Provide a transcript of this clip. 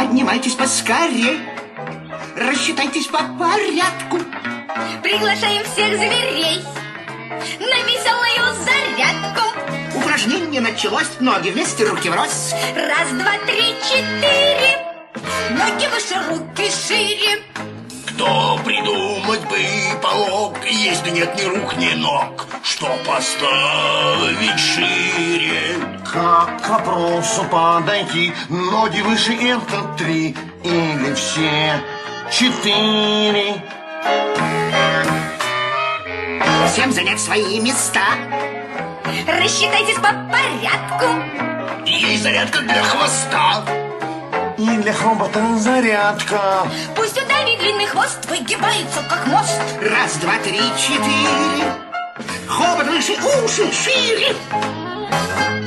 Поднимайтесь поскорей, рассчитайтесь по порядку. Приглашаем всех зверей на веселую зарядку. Упражнение началось, ноги вместе, руки врозь. Раз, два, три, четыре. Ноги выше, руки шире. Кто придумать бы полог, если нет ни рук, ни ног, что поставить шире? Как к вопросу подойти? Ноги выше — это 3 или все 4? Всем занять свои места. Рассчитайтесь по порядку. Есть зарядка для хвоста. И для хобота зарядка. Пусть у Дани длинный хвост выгибается, как мост. Раз, два, три, четыре. Хобот выше, уши шире.